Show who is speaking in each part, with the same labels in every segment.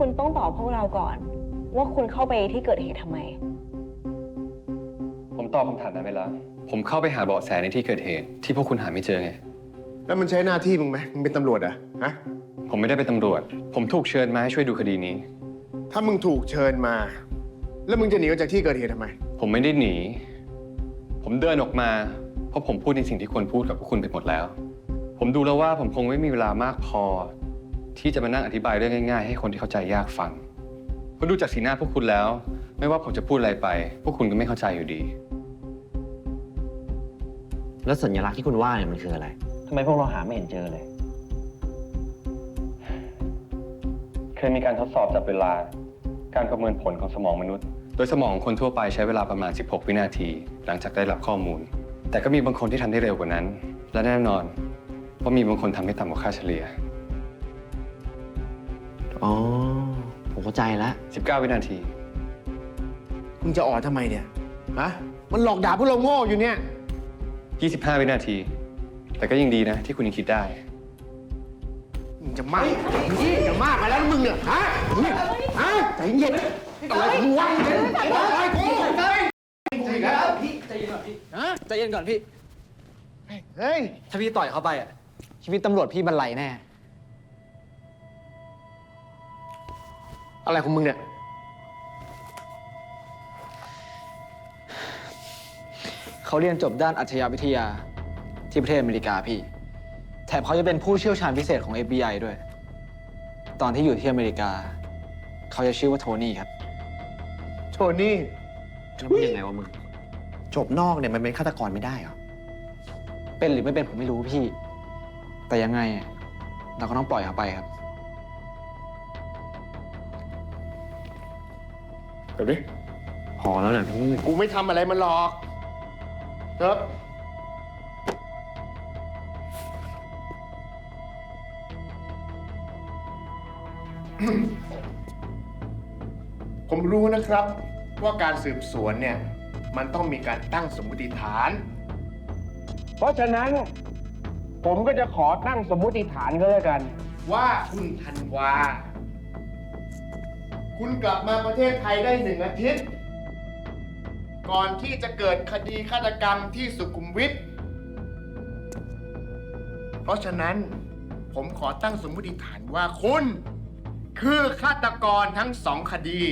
Speaker 1: คุณต้องตอบพวกเราก่อน ว่าคุณเข้าไปที่เกิดเหตุทำไม
Speaker 2: ผมตอบคำถามนั้นไปแล้วผมเข้าไปหาเบาะแสในที่เกิดเหตุที่พวกคุณหาไม่เจอไง
Speaker 3: แล้วมันใช้หน้าที่มึงไหมมึงเป็นตำรวจอะฮะ
Speaker 2: ผมไม่ได้เป็นตำรวจผมถูกเชิญมาให้ช่วยดูคดีนี้
Speaker 3: ถ้ามึงถูกเชิญมา แล้วมึงจะหนีออกจากที่เกิดเหตุทำไม
Speaker 2: ผมไม่ได้หนีผมเดินออกมาเพราะผมพูดในสิ่งที่ควรพูดกับพวกคุณไปหมดแล้วผมดูแล้วว่าผมคงไม่มีเวลามากพอที่จะมานั่งอธิบายเรื่องง่ายๆให้คนที่เข้าใจยากฟังเพราะดูจากสีหน้าพวกคุณแล้ว ไม่ว่าผมจะพูดอะไรไปพวกคุณก็ไม่เข้าใจอยู่ดี
Speaker 4: แล้วสัญลักษณ์ที่คุณว่าเนี่ยมันคืออะไรทำไมพวกเราหาไม่เห็นเจอเลย
Speaker 2: เคยมีการทดสอบจับเวลาการประเมินผลของสมองมนุษย์โดยสมองคนทั่วไปใช้เวลาประมาณ16วินาทีหลังจากได้รับข้อมูลแต่ก็มีบางคนที่ทำได้เร็วกว่านั้นและแน่นอนว่ามีบางคนทำได้ต่ำกว่าค่าเฉลี่ย
Speaker 4: อ๋อผมเข้าใจแล้ว
Speaker 2: 19วินาที
Speaker 3: มึงจะอ่อนทำไมเนี่ยฮะมันหลอกด่าพวกเราโง่อยู่เนี่ย
Speaker 2: 25วินาทีแต่ก็ยังดีนะที่คุณยังคิดได้
Speaker 3: มึงจะมากจะมากไปแล้วมึงเนี่ยฮะใจเย็นอะไรมึงวะอะไรกูใจแล้วพี่ใจเย็นก่อนพี่
Speaker 5: ใจเย็นก่อนพี่
Speaker 3: เฮ้ย
Speaker 5: ถ้าพี่ต่อยเข้าไปอ่ะชีวิตตำรวจพี่บรรลัยแน่
Speaker 3: อะไรของมึงเนี่ย
Speaker 5: เขาเรียนจบด้านอัจฉริยวิทยาที่ประเทศอเมริกาพี่แถมเขาจะเป็นผู้เชี่ยวชาญพิเศษของ FBI ด้วยตอนที่อยู่ที่อเมริกาเขาจะชื่อว่าโทนี่ครับ
Speaker 3: โทนี่
Speaker 4: แล้วมันยังไงวะมึงจบนอกเนี่ยมันเป็นฆาตกรไม่ได้เหรอ
Speaker 5: เป็นหรือไม่เป็นผมไม่รู้พี่แต่ยังไงเราก็ต้องปล่อยเขาไปครับ
Speaker 3: เดี๋ยวดิ
Speaker 4: พอแล้วนะพี่
Speaker 3: กูไม่ทำอะไรมันหรอกเถอะผมรู้นะครับว่าการสืบสวนเนี่ยมันต้องมีการตั้งสมมติฐานเพราะฉะนั้นผมก็จะขอตั้งสมมติฐานก็แล้วกันว่าคุณธันวาคุณกลับมาประเทศไทยได้1 อาทิตย์ก่อนที่จะเกิดคดีฆาตกรรมที่สุขุมวิทเพราะฉะนั้นผมขอตั้งสมมติฐานว่าคุณคือฆาตกรทั้ง2 คดี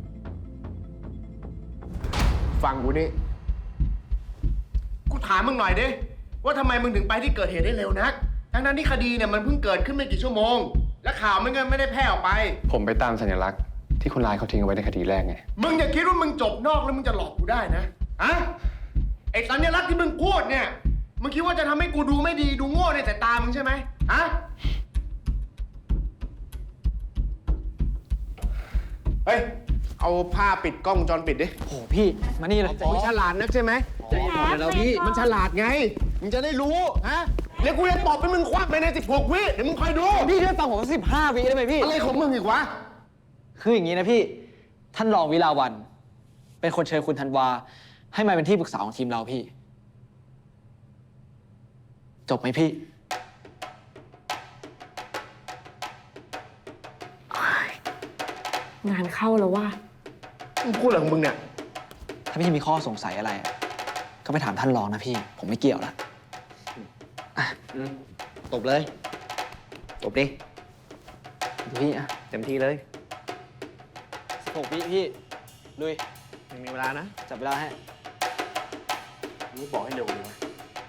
Speaker 3: ฟังกูนี่กูถามมึงหน่อยดิว่าทำไมมึงถึงไปที่เกิดเหตุได้เร็วนักทั้งที่คดีเนี่ยมันเพิ่งเกิดขึ้นไม่กี่ชั่วโมงและข่าวมันก็ไม่ได้แพร่ออกไป
Speaker 2: ผมไปตามสัญลักษณ์ที่คนร้ายเขาทิ้งเอาไว้ในคดีแรกไง
Speaker 3: มึงอย่าคิดว่ามึงจบนอกแล้วมึงจะหลอกกูได้นะไอ้สัญลักษณ์ที่มึงพูดเนี่ยมึงคิดว่าจะทำให้กูดูไม่ดีดูโง่ในสายตามึงใช่ไหมเฮ้ยเอาผ้าปิดกล้องวงจรปิดดิ
Speaker 5: โอ้พี่มานี่เลย
Speaker 3: มึงฉลาดนักใช่ไหม
Speaker 5: ใจเย็นๆแล้วพี่
Speaker 3: มันฉลาดไงมึงจะได้รู้เดี๋ยวกูจะตอบเป็นมึงควักไปใน16 วิเดี๋ยวมึงคอยดู
Speaker 5: พี่ช่วยฟังผม15 วิได้ไหมพี่
Speaker 3: อะไรของมึงอีกวะ
Speaker 5: คืออย่างนี้นะพี่ท่านรองวิลาวันเป็นคนเชิญคุณธันวาให้มาเป็นที่ปรึกษาของทีมเราพี่จบไหมพี่
Speaker 1: งานเข้าแล้วว่า
Speaker 3: มึงพูดอะไรของมึงเนี่ย
Speaker 5: ถ้าพี่มีข้อสงสัยอะไรก็ไปถามท่านรองนะพี่ผมไม่เกี่ยวละ
Speaker 4: ตบเลยตบดิ
Speaker 5: พี่
Speaker 4: เต็มที่เลย
Speaker 5: 16 วิพี่ลุย
Speaker 4: ยังมีเวลานะ
Speaker 5: จับเวลาให้
Speaker 3: มึงบอกให้เร็วเลยนะ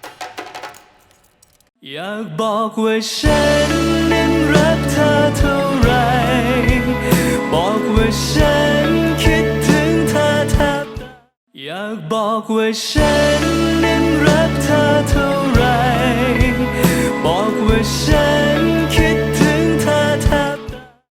Speaker 6: อยากบอกว่าฉันนั้นรักเธอเท่าไรบอกว่าฉันคิดถึงเธอแทบตายอยากบอกว่าฉันนั้นรักเธอเท่าไรบอกว่าฉัน